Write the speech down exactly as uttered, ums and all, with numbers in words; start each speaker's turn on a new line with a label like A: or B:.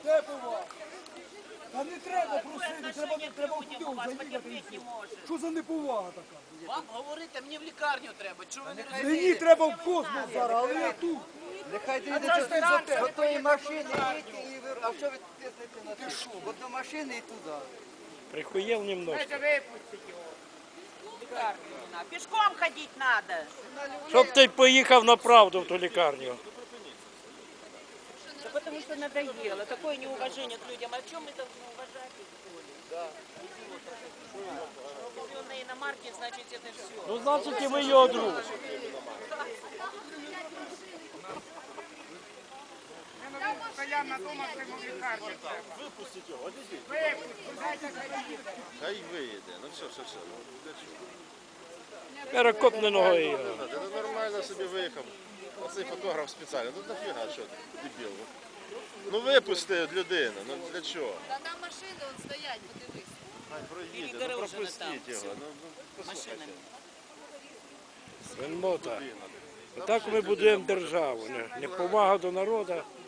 A: Де повага? Та не треба просити, треба, треба в будинок заїхати і все. Що за неповага така?
B: Вам говорити, мені в лікарню треба. Чого ви не
A: Мені
B: розумієте?
A: треба в космос зараз, але я тут.
C: Нехай доїдете до тої машини, їдьте, і ви... А що ви тиснете на те? От до машини і туди.
D: Прихуел немножко.
E: Пешком ходить надо.
D: Щоб ти поїхав на правду в ту лікарню.
E: Да потому что надоело. Такое неуважение к людям. А в чем мы должны уважать их, что ли? Да. Купленные иномарки, значит, это все.
D: Ну, значить, і ви його друг.
F: Постоянно дома в лікарні.
G: Випустіть його, одійдіть.
F: Випустіть, дайте заїде.
G: Хай виїде. Ну все, все, все. Ну, для чого?
D: Перекопне ногою його.
G: Ти нормально собі виїхав. Оцей фотограф спеціально. Ну нафіга, що ти, дебіл? Ну випусти людину, ну для чого?
H: Та там машини он стоять, подивись.
G: Хай проїде, ну
E: Перегорожено
G: пропустіть
E: там.
G: його. Ну, ну послухайте.
E: Машинами.
D: Свиннота. Так ми будуємо державу. Не, не повага до народу,